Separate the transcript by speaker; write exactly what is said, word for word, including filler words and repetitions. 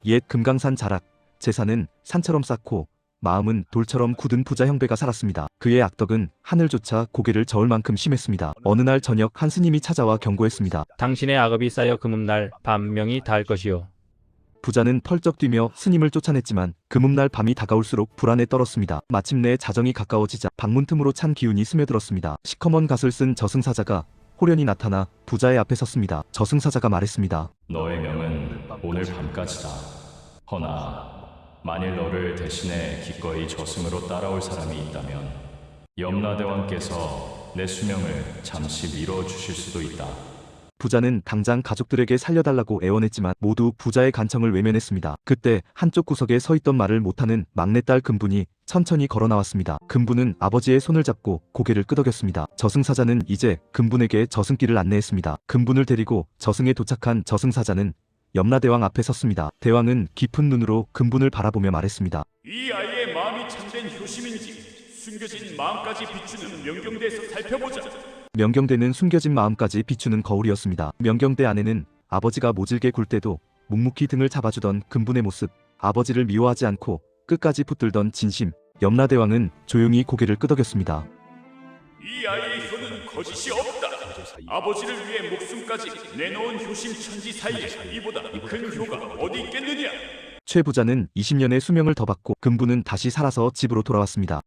Speaker 1: 옛 금강산 자락, 재산은 산처럼 쌓고 마음은 돌처럼 굳은 부자 형배가 살았습니다. 그의 악덕은 하늘조차 고개를 저을 만큼 심했습니다. 어느 날 저녁 한 스님이 찾아와 경고했습니다.
Speaker 2: 당신의 악업이 쌓여 금음날 밤명이 닿을 것이요.
Speaker 1: 부자는 펄쩍 뛰며 스님을 쫓아냈지만 금음날 밤이 다가올수록 불안에 떨었습니다. 마침내 자정이 가까워지자 방문 틈으로 찬 기운이 스며들었습니다. 시커먼 갓을 쓴 저승사자가 호련히 나타나 부자의 앞에 섰습니다. 저승사자가 말했습니다.
Speaker 3: 너의 명은 오늘 밤까지다. 허나 만일 너를 대신해 기꺼이 저승으로 따라올 사람이 있다면 염라대왕께서 내 수명을 잠시 미뤄주실 수도 있다.
Speaker 1: 부자는 당장 가족들에게 살려달라고 애원했지만 모두 부자의 간청을 외면했습니다. 그때 한쪽 구석에 서있던 말을 못하는 막내딸 금분이 천천히 걸어 나왔습니다. 금분은 아버지의 손을 잡고 고개를 끄덕였습니다. 저승사자는 이제 금분에게 저승길을 안내했습니다. 금분을 데리고 저승에 도착한 저승사자는 염라대왕 앞에 섰습니다. 대왕은 깊은 눈으로 금분을 바라보며 말했습니다.
Speaker 4: 이 아이의 마음이 참된 효심인지 숨겨진 마음까지 비추는 명경대에서 살펴보자.
Speaker 1: 명경대는 숨겨진 마음까지 비추는 거울이었습니다. 명경대 안에는 아버지가 모질게 굴 때도 묵묵히 등을 잡아주던 금분의 모습, 아버지를 미워하지 않고 끝까지 붙들던 진심, 염라대왕은 조용히 고개를 끄덕였습니다.
Speaker 4: 이 아이의 효는 거짓이 없다. 아버지를 위해 목숨까지 내놓은 효심 천지 사이에 이보다 큰 효가 어디 있겠느냐.
Speaker 1: 최 부자는 이십 년의 수명을 더 받고 금분은 다시 살아서 집으로 돌아왔습니다.